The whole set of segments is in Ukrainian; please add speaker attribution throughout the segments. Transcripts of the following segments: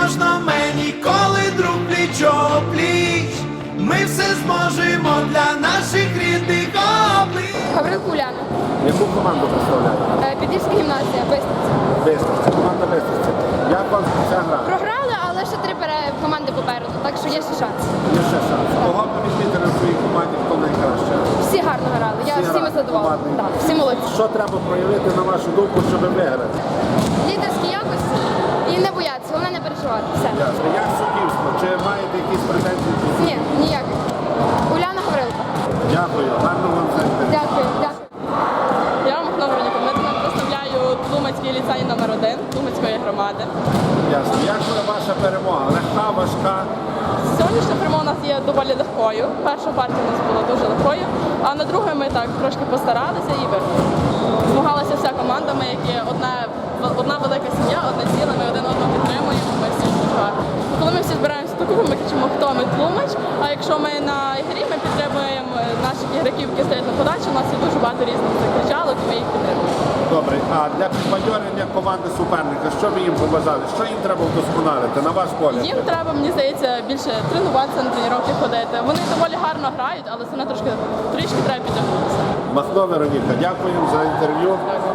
Speaker 1: можна мені, коли друг пліч-о-пліч. Ми все зможемо для наших рідних облич.
Speaker 2: Гаврилко Уляна.
Speaker 3: Яку команду представляєте?
Speaker 2: Підільська гімназія, Бистриця.
Speaker 3: Бистриця, команда Бистриця. Як вам ця гра?
Speaker 2: Програли, але ще 3 команди попереду, так що є ще шанс.
Speaker 3: Є ще шанс. Кого б відмітили на своїй команді, хто найкраще?
Speaker 2: Всі гарно грали, я
Speaker 3: Всі
Speaker 2: всіми
Speaker 3: грали,
Speaker 2: задоволена.
Speaker 3: командний.
Speaker 2: Так, всі молодці.
Speaker 3: Що треба проявити, на вашу думку, щоб виграти?
Speaker 2: Лідерські якості і не боятися, головне не переживати. Все.
Speaker 3: Ясно. Як суддівство? Чи маєте якісь претензії?
Speaker 2: Ні, ніяких. Уляна Гаврилко.
Speaker 3: Дякую. Гарно вам за інтерв'ю.
Speaker 2: Дякую, дякую.
Speaker 4: Я Махно Вероніка Дмитрівна, представляю Тлумацький ліцей номер 1 Тлумацької громади.
Speaker 3: Ясно. Як буде ваша перемога? Легка, важка?
Speaker 4: Сьогоднішня перемога у нас є доволі легкою. Перша партія у нас була дуже легкою, а на другу ми так трошки постаралися і виграли. Змагалася вся команда, ми які одна велика сім'я, одне ціле, ми один одного підтримуємо, ми всі дуже гарно. Коли ми всі збираємося до кубку, ми кричимо, хто ми Тлумач, а якщо ми на ігрі, ми підтримуємо наших ігроків, які стоять на подачі, у нас є дуже багато різних закричалок, і ми їх підтримуємо.
Speaker 3: Добре. А для підбадьорення команди суперника, що ви їм побажали? Що їм треба вдосконалити, на ваш погляд?
Speaker 4: Їм треба, мені здається, більше тренуватися, на тренування ходити. Вони доволі гарно грають, але це не трішки треба підтягнутися.
Speaker 3: Махно Вероніка, дякуємо за інтерв'ю.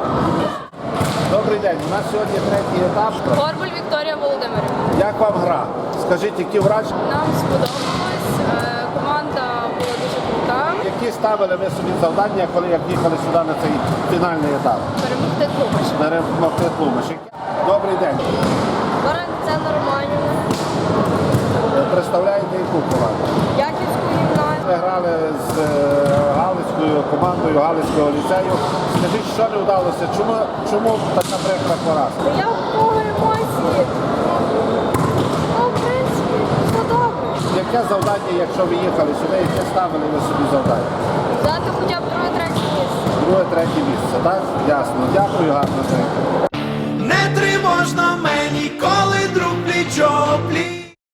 Speaker 3: Добрий день. У нас сьогодні третій етап.
Speaker 2: Горбуль Вікторія Володимирівна.
Speaker 3: Як вам гра? Скажіть, які враження?
Speaker 2: Нам сподобалось, команда була дуже крута.
Speaker 3: Які ставили ви собі завдання, коли як їхали сюди на цей фінальний етап?
Speaker 2: Перемогти Тлумач.
Speaker 3: Перемогти Тлумач. Добрий день.
Speaker 2: Баран це Романівна.
Speaker 3: Представляєте яку команду?
Speaker 2: Яківську гімназію.
Speaker 3: Ви грали з Галицькою командою Галицького ліцею. Скажіть, що не вдалося? Чому така прикра поразка?
Speaker 2: Я в емоції. Ну, в принципі, все добре.
Speaker 3: Яке завдання, якщо ви їхали сюди, яке ставили ви собі завдання?
Speaker 2: Взяти хоча б друге-третє місце.
Speaker 3: Друге, третє місце, так? Ясно. Дякую, гарно.